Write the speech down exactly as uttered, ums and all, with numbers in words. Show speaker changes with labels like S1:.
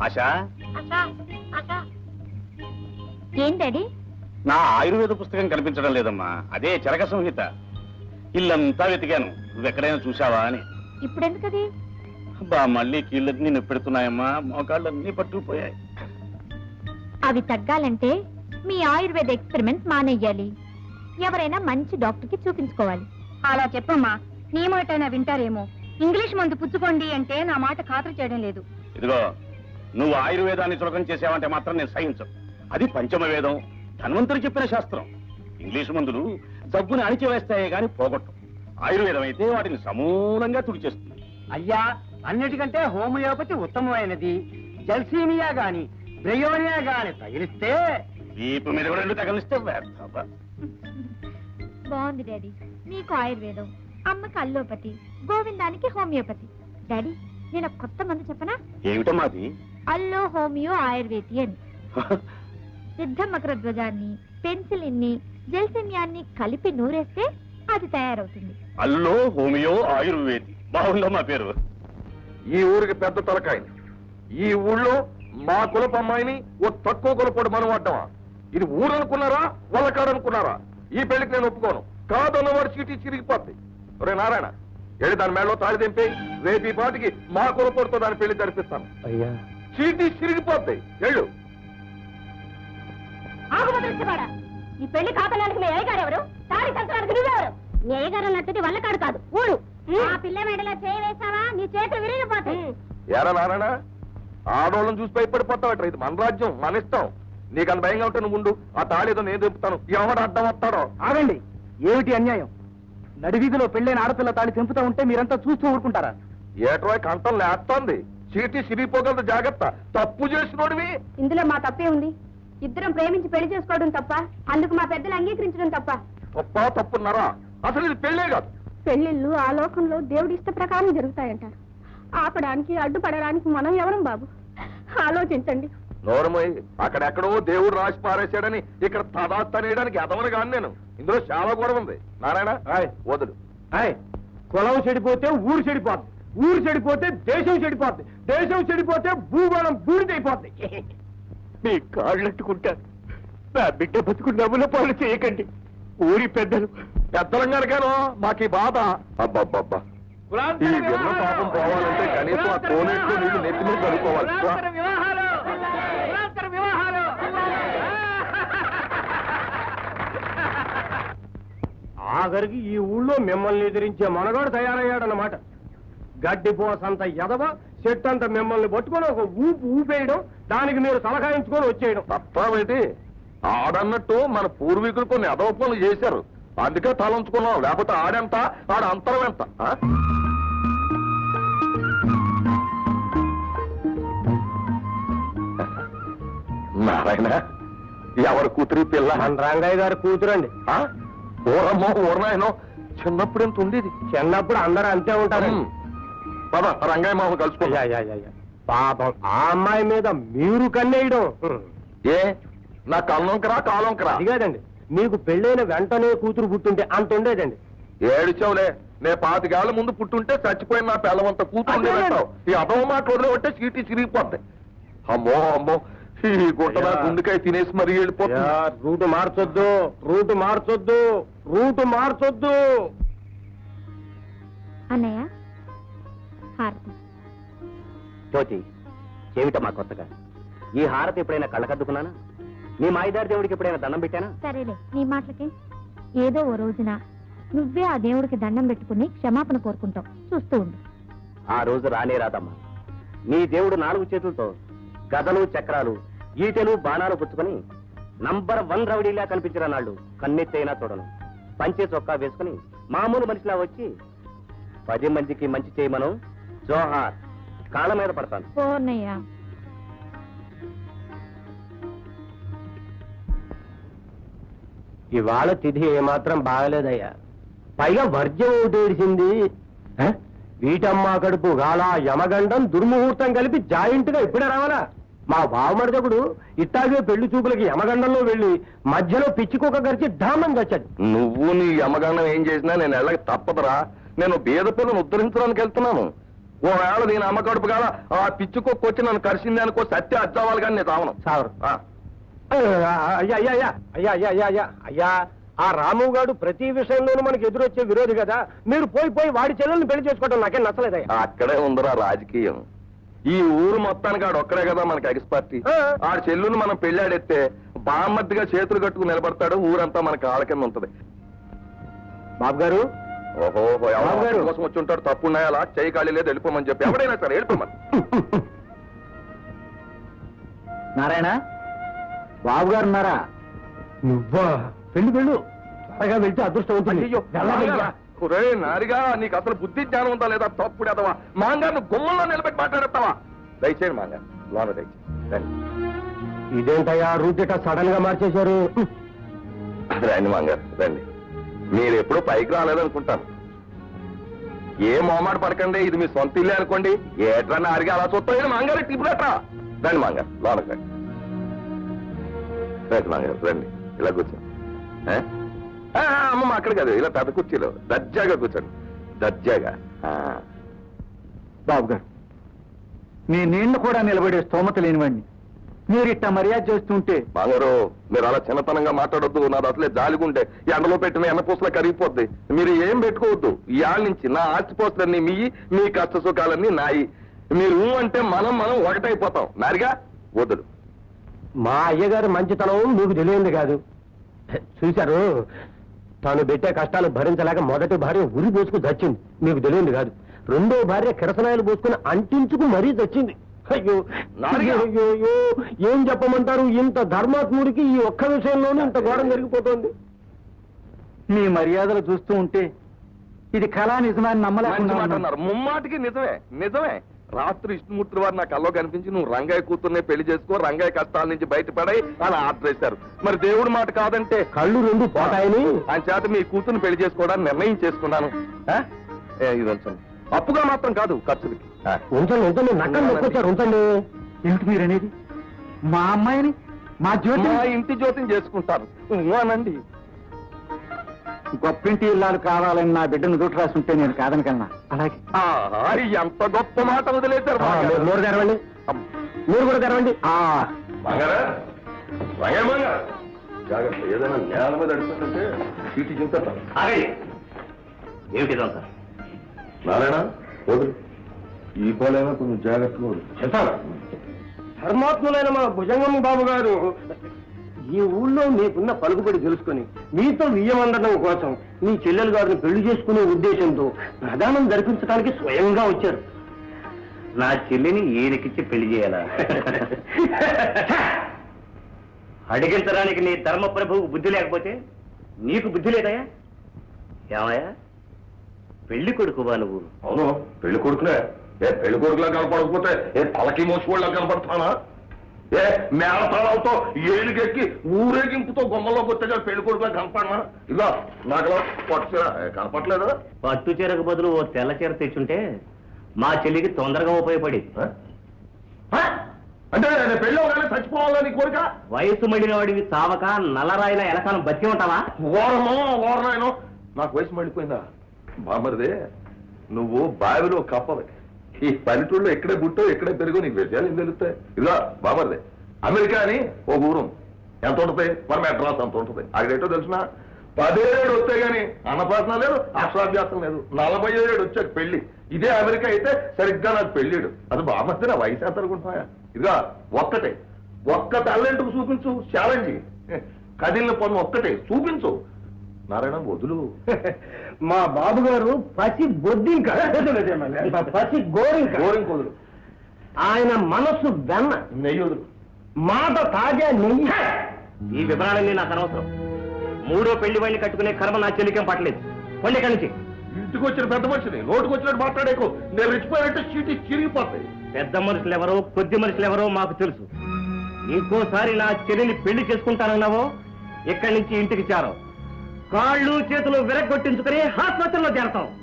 S1: ఆశా,
S2: ఏం డాడీ?
S1: నా ఆయుర్వేద పుస్తకం కనిపించడం లేదమ్మా. అదే చరక సంహిత. ఇల్లంతా వెతికాను, నువ్వెక్కడైనా చూసావా అని.
S2: ఇప్పుడెందుకది?
S1: అబ్బా, మళ్ళీ కీళ్ళన్నీ నొప్పెడుతున్నాయమ్మా, మోకాళ్ళన్నీ పట్టుకుపోయాయి.
S2: అవి తగ్గాలంటే మీ ఆయుర్వేద ఎక్స్పెరిమెంట్స్ మానేయాలి. ఎవరైనా మంచి డాక్టర్ కి చూపించుకోవాలి.
S3: అలా చెప్పమ్మా, నీ మాటైనా వింటారేమో. ఇంగ్లీష్ మందు పుచ్చుకోండి అంటే నా మాట ఖాతరు చేయడం లేదు.
S1: ఇదిగో, నువ్వు ఆయుర్వేదాన్ని చులకం చేసావంటే మాత్రం నేను సహించను. అది పంచమ వేదం, ధన్వంతుడు చెప్పిన శాస్త్రం. ఇంగ్లీషు మందులు జబ్బుని అణిచివేస్తాయే గాని పోగొట్టం. ఆయుర్వేదం అయితే వాటిని సమూలంగా తుడిచేస్తుంది.
S4: అయ్యా, అన్నిటికంటే హోమియోపతి ఉత్తమమైనది. జల్సీమియా గాని బ్రయోనియా గాని తగిలిస్తే
S1: వీపు మీద కూడా రెండు తగిలిస్తే వ్యర్థం.
S2: బాగుంది డాడీ. నీకు ఆయుర్వేదం, అమ్మకి అల్లోపతి, గోవిందానికి హోమియోపతి. డాడీ, నేను ఒక కొత్త మందు చెప్పనా?
S1: ఏమిటమ్మా అది?
S2: అల్లో హోమియో ఆయుర్వేది అని. సిద్ధ మకర ధ్వజాన్ని, పెన్సిలిన్ని, జల్సిమియాన్ని కలిపి నూరేస్తే అది తయారవుతుంది.
S1: అల్లో హోమియో ఆయుర్వేది. బాగుందమ్మా పేరు.
S5: ఈ ఊరికి పెద్ద తలకాయని, ఈ ఊళ్ళో మా కులపు అమ్మాయిని ఓ తక్కువ కులపోడు మనం అడ్డమా? ఇది ఊరు అనుకున్నారా, వాళ్ళకాడనుకున్నారా? ఈ పెళ్లికి నేను ఒప్పుకోను. కాదన్నవాడు చీటీ చిరిగిపోద్ది. ఒరే నారాయణ, వెళ్ళి దాని మేడలో తాళి దింపి రేపు ఈ పాటికి మా కులపోడుతో దాని పెళ్లి జరిపిస్తాను.
S4: అయ్యా,
S5: చీటీ చిరిగిపోద్ది. వెళ్ళు.
S3: ఈ పెళ్లి కాపలానికి మీ అయ్యగారు ఎవరు? తాడి సంతరానికి నువ్వెవరు? నీ అయ్యగారు అన్నట్టుది వల్లకాడు కాదు, ఊరు. ఆ పిల్ల మెడలో చేయి వేసావా నీ చేతులు విరిగిపోతాయి.
S5: ఏరా నారాయణ, ఆడోళ్ళని చూసి భయపడిపోతావట. ఇది మన రాజ్యం, మన ఇష్టం. నీకు అంత భయంగా ఉంటే నువ్వు ఉండు. ఆ తాళేదో నేను దింపుతాను. ఎవడు అడ్డం వస్తాడో.
S4: ఆగండి. ఏమిటి అన్యాయం? నడివీధిలో పెళ్ళైన ఆడపిల్ల తాళి తెంపుతూ ఉంటే మీరంతా చూస్తూ ఊరుకుంటారా?
S5: ఏటో కంఠం లేస్తోంది. చీటీ సిరిగిపోగలదు, జాగ్రత్త. తప్పు చేసినోడివి.
S3: ఇందులో మా తప్పే ఉంది. ఇద్దరం ప్రేమించి పెళ్లి చేసుకోవడం తప్ప, అందుకు మా పెద్దలు అంగీకరించడం తప్ప.
S5: తప్ప తప్పున్నారా? అసలు ఇది పెళ్ళే కాదు.
S3: పెళ్లిళ్ళు ఆ లోకంలో దేవుడి ఇష్ట ప్రకారం జరుగుతాయంటారు. ఆపడానికి అడ్డుపడడానికి మనం ఎవరం బాబు? ఆలోచించండి.
S5: నోరమోయ్, అక్కడెక్కడో దేవుడు రాసి పారేశాడని ఇక్కడ తదాస్తనేయడానికి ఎదవను కాను నేను. ఇందులో చాలా కూడా ఉంది. నారాయణ, వదులు.
S4: కులం చెడిపోతే ఊరు చెడిపోద్ది, ఊరు చెడిపోతే దేశం చెడిపోద్ది, దేశం చెడిపోతే భూగోళం బూడిదైపోద్ది. మీ కాళ్ళట్టుకుంటారు. నా బిడ్డ బతుకు నవ్వుల పాలు చేయకండి. ఊరి పెద్దలు
S5: పెద్దలంగానికేనో మాకు ఈ బాధ. అబ్బబ్బబ్బా, ఈ విన్న పాపం పోవాలంటే కనీసం ఆ కోనేట్లో నీళ్ళు నెత్తి మీద కలుపుకోవాలి.
S4: ఆఖరికి ఈ ఊళ్ళో మిమ్మల్ని ఎదిరించే మనగాడు తయారయ్యాడన్నమాట. గడ్డిపోసంత ఎదవ చెట్టంత మిమ్మల్ని పట్టుకొని ఒక ఊపు ఊపేయడం, దానికి మీరు సలహాయించుకొని వచ్చేయడం.
S5: తప్పేంటి? ఆడన్నట్టు మన పూర్వీకులు కొన్ని అదవ పనులు చేశారు, అందుకే తలంచుకున్నాం. లేకపోతే ఆడెంత, ఆడ అంతరం ఎంత? నారాయణ, ఎవరి కూతురి పిల్ల?
S4: రంగయ్య గారి కూతురండి.
S5: ఊరమ్మో ఊరనాయనో, చిన్నప్పుడు ఎంత ఉండేది.
S4: చిన్నప్పుడు అందరూ అంతే ఉంటారు.
S5: పద, రంగయ్య మామ కలుసుకో.
S4: పాపం ఆ అమ్మాయి మీద మీరు కన్నేయడం.
S5: ఏ, నా కళ్ళొంకరా కాలొంకరా?
S4: అది కాదండి, మీకు పెళ్ళైన వెంటనే కూతురు పుట్టుంటే అంత ఉండేదండి.
S5: ఏడిచావులే, నే పాతికేళ్ల ముందు పుట్టుంటే చచ్చిపోయిన నా పిల్లవంత కూతురు ఉండేదంటావు. ఈ అదవ మాట వదిలేవంటే చీటీ చిరిగిపోద్ది. అమ్మో అమ్మో, ఈ గుంట నా గుండెకాయ తినేసి మరీ వెళ్ళిపోతుంది.
S4: రూటు మార్చొద్దు, రూటు మార్చొద్దు, రూటు మార్చొద్దు.
S2: అన్నయ్య, హారతి.
S6: జ్యోతి, ఏమిటమ్మా కొత్తగా? ఈ హారతి ఎప్పుడైనా కళ్ళకద్దుకున్నానా? నీ మాయిదారి దేవుడికి ఎప్పుడైనా దండం పెట్టానా?
S2: సరేలే, నీ మాటలకే. ఏదో ఓ రోజున నువ్వే ఆ దేవుడికి దండం పెట్టుకుని క్షమాపణ కోరుకుంటావు, చూస్తూ ఉండు.
S6: ఆ రోజు రానే రాదమ్మా. నీ దేవుడు నాలుగు చేతులతో గదలు, చక్రాలు, ఈటెలు, బాణాలు పుచ్చుకొని నంబర్ వన్ రౌడీలా కనిపించిన నాళ్ళు కన్నెత్తైనా చూడను. పంచే చొక్కా వేసుకుని మామూలు మనిషిలా వచ్చి పది మందికి మంచి చేయమను జోహార్ కాళ్ళ మీద పడతాను.
S2: ఓ అన్నయ్య,
S4: ఇవాళ తిథి ఏమాత్రం బాగలేదయ్యా. పైగా వర్జ్యం ఒకటి ఏడిసింది. వీటమ్మ కడుపు గాల యమగండం దుర్ముహూర్తం కలిపి జాయింట్ గా ఇప్పుడే రావాలా? మా బావమరిదకుడు ఇట్టాగే పెళ్లి చూపులకి యమగండంలో వెళ్లి మధ్యలో పిచ్చికొక గరిచి ధామం వచ్చాడు.
S5: నువ్వు నీ యమగండం ఏం చేసినా నేను వెళ్ళక తప్పదురా. నేను బీద పిల్లను ఉద్ధరించడానికి వెళ్తున్నాను. ఓవేళ నేను అమ్మ కడుపు కాల ఆ పిచ్చుకొక్కు వచ్చి నన్ను కరిసింది అనుకో సత్య అచ్చావాలి కానీ నేను తావను
S4: సార్ అయ్యా అయ్యా అయ్యా అయ్యా అయ్యా అయ్యా అయ్యా అయ్యా ఆ రాము గారు ప్రతి విషయంలోనూ మనకి ఎదురొచ్చే విరోధి కదా, మీరు పోయి పోయి వాడి చెల్లెల్ని పెళ్లి చేసుకోవడం నాకేం నచ్చలేదయ్యా.
S5: అక్కడే ఉందిరా రాజకీయం. ఈ ఊరు మొత్తానికి ఆడు ఒక్కడే కదా మనకి ఎక్స్పర్టీ. ఆ చెల్లుని మనం పెళ్ళాడెత్తే బామ్మద్దిగా చేతులు కట్టుకుని నిలబడతాడు, ఊరంతా మనకి ఆళ్ళ కింద ఉంటది.
S4: బాబు గారు
S5: ఓహో
S4: బాబు గారు.
S5: కోసం వచ్చి ఉంటాడు, తప్పు ఉన్నాయా చేయి ఖాళీ లేదు వెళ్ళిపోమని చెప్పి ఎవడైనా సరే వెళ్ళిపోమని.
S4: నారాయణ బాబు గారు ఉన్నారా? నువ్వా? పెళ్లి వెళ్ళు, త్వరగా వెళ్తే అదృష్టం అవుతుంది.
S5: అయ్యో, ఒరే నారిగా నీకు అసలు బుద్ధి జ్ఞానం ఉందా లేదా? తప్పుడు ఎదవా మాంగారు గుమ్మంలో నిలబెట్టి మాట్లాడతావా? దయచేయండి మాంగారు, లోన దయచేయండి.
S4: ఇదేంటయ్యా రూట్ ఇట్లా సడన్ గా మార్చేశారు?
S5: రండి మాంగారు రండి. మీరు ఎప్పుడూ పైకి రాలేదనుకుంటాను. ఏ మొహమాట పడకండి, ఇది మీ సొంత ఇల్లే అనుకోండి. ఏట్రా నారిగా అలా చూస్తాయి మాంగారు తిప్పుడట్రా. రండి మాంగారు లోనకి రండి. రండి మాంగారు రండి, ఇలా కూర్చో. అమ్మమ్మ అక్కడ కాదు, ఇలా పెద్ద కుర్చీలో దర్జాగా కూర్చోండి, దర్జాగా.
S7: బాబు గారు, మీ నీళ్లు కూడా నిలబడే స్తోమత లేనివాడిని మీరు ఇట్ట మర్యాద చేస్తుంటే.
S5: మాంగారు మీరు అలా చిన్నతనంగా మాట్లాడొద్దు, నాది అసలే జాలిగుంటే ఎండలో పెట్టిన ఎన్నపూసలా కరిగిపోద్ది. మీరు ఏం పెట్టుకోవద్దు. ఈ ఆళ్ళ నుంచి నా ఆస్తిపోస్తులన్నీ మీ, మీ కష్ట సుఖాలన్నీ నాయి. మీరు ఊ అంటే మనం మనం ఒకటైపోతాం. నారిగా వద్దుడు.
S4: మా అయ్యగారి మంచితనం మీకు తెలియంది కాదు. చూశారు, తాను పెట్టే కష్టాలు భరించలేక మొదటి భార్య ఉరి పోసుకు చచ్చింది, మీకు తెలియంది కాదు. రెండో భార్య కిరసనాయలు పోసుకుని అంటించుకు మరీ చచ్చింది. అయ్యో అయ్యో అయ్యో, ఏం చెప్పమంటారు? ఇంత ధర్మాత్ముడికి ఈ ఒక్క విషయంలోనూ ఇంత ఘోరం జరిగిపోతుంది.
S7: మీ మర్యాదలు చూస్తూ ఉంటే ఇది కళా నిజమని
S5: మంచి మాట
S7: నమ్మలేకుండా
S5: అన్నారు. ముమ్మాటికి నిజమే నిజమే. రాత్రి విష్ణుమూర్తి వారు నా కల్లో కనిపించి నువ్వు రంగయ్య కూతుర్నే పెళ్లి చేసుకో, రంగయ్య కష్టాల నుంచి బయటపడాయి అని ఆర్డర్ వేశారు. మరి దేవుడి మాట కాదంటే
S4: కళ్ళు రెండు పోతాయని
S5: ఆయన చేత మీ కూతుర్ని పెళ్లి చేసుకోవడానికి నిర్ణయం చేసుకున్నాను. ఆ? ఏ, ఇది ఉంచండి. అప్పుగా మాత్రం కాదు, ఖర్చులకి. ఆ.
S4: ఉంచండి ఉంచండి, నక్కలు నొక్కొచ్చారు, ఉంచండి.
S7: ఏమిటి మీరనేది? మా అమ్మాయిని మా జ్యోతి
S5: మా ఇంటి జ్యోతిని చేసుకుంటారు అనండి.
S7: గొప్పింటి ఇల్లాలు కావాలని నా బిడ్డను దూట రాసుంటే నేను కాదనకన్నా. అలాగే
S5: ఆహా, ఎంత గొప్ప మాట వదిలేశారు
S4: ఆ,
S5: మాంగారు.
S4: మీరు నోరు తెరవండి, మీరు కూడా తెరవండి. ఆ
S5: మాంగారా? రంగయ్య మాంగారు, జాగ్రత్త, ఏదైనా నేల మీద అడుగుతుంటే చీటి చింతాను.
S6: ఏమిటిదంతా?
S5: నారాయణ వదులు, ఈ పోలైనా కొంచెం జాగ్రత్తగా వదులు.
S4: చెప్తాను. ధర్మాత్ములైన మా భుజంగం బాబు గారు ఈ ఊళ్ళో మీకున్న పలుకుబడి తెలుసుకుని మీతో వియ్యమందడం కోసం మీ చెల్లెలు గారిని పెళ్లి చేసుకునే ఉద్దేశంతో ప్రధానం జరిపించడానికి స్వయంగా వచ్చారు.
S6: నా చెల్లిని ఈయనకిచ్చి పెళ్లి చేయాలా? అడిగించడానికి నీ ధర్మ ప్రభువుకు బుద్ధి లేకపోతే నీకు బుద్ధి లేదయా? ఏమయ్యా, పెళ్లి కొడుకువా నువ్వు?
S5: అవును, పెళ్లి కొడుకునే. ఏ పెళ్లి కొడుకులా కనపడకపోతే ఏ తలకి మోసుకోళ్ళ కనపడతానా? ఏ మేళతాళాలతో ఏలుగెక్కి ఊరేగింపుతో గుమ్మలోకి వచ్చే పెళ్లి కొడుకులా కనపడనా? ఇలా నాకు పట్టుచీర కనపట్లేదు.
S6: పట్టు చీరకు బదులు ఓ తెల్ల చీర తెచ్చుంటే మా చెల్లికి తొందరగా ఉపయోగపడేది.
S5: అంటే నేను పెళ్లి అవగానే చచ్చిపోవాలని కోరిక?
S6: వయసు మళ్ళిన వాడివి చావక నల్లరాయిల ఎలకాలం బతికి ఉంటావా?
S5: ఓరమో ఓరనాయనో, నాకు వయసు మళ్ళిపోయిందా? బామరిదే, నువ్వు బావిలో కప్పవి. ఈ పల్లెటూళ్ళలో ఎక్కడే పుట్టో ఎక్కడే పెరుగో నీకు విషయాలు ఏం తెలుస్తాయి? ఇలా బామరిదే, అమెరికా అని ఒక ఊరు ఎంత ఉంటుంది, మన మెడ్రాస్ అంత ఉంటుంది. అక్కడేటో తెలిసిన పదిహేడు వస్తాయి కానీ అన్నప్రాసన లేదు, అక్షరాభ్యాసం లేదు. నలభై ఏడు వచ్చాక పెళ్లి. ఇదే అమెరికా అయితే సరిగ్గా నాకు పెళ్ళిడు. అది బామర్ది, నా వయసు ఎంత అనుకుంటున్నాయా? ఇదిగా ఒక్కటే, ఒక్క టాలెంట్కు చూపించు ఛాలెంజ్. కదిలిన పన్ను ఒక్కటే చూపించు. నారాయణ వదులు.
S4: మా బాబు గారు పసి బొద్దింక, పసి గోరింక,
S5: గోరింక వదులు.
S4: ఆయన మనస్సు వెన్న,
S5: నెయ్యి వదులు.
S4: మాట తాజా నెయ్యి.
S6: ఈ వివరాలన్నీ నాకు అనవసరం. మూడో పెళ్లి వాడిని కట్టుకునే కర్మ నా చెల్లికేం పట్టలేదు. కొండ ఇక్కడి నుంచి.
S5: ఇంటికి వచ్చిన పెద్ద మనిషిని నోటుకు వచ్చినట్టు మాట్లాడేకు. నేను రెచ్చిపోయానంటే చీటి చిరిగిపోతాయి.
S6: పెద్ద మనుషులు ఎవరో కొద్ది మనుషులు ఎవరో మాకు తెలుసు. ఇంకోసారి నా చెల్లిని పెళ్లి చేసుకుంటానన్నావో ఇక్కడి నుంచి ఇంటికి చేరవు. కాళ్ళు చేతులు విరగొట్టించుకుని ఆసుపత్రిలో చేరతాం.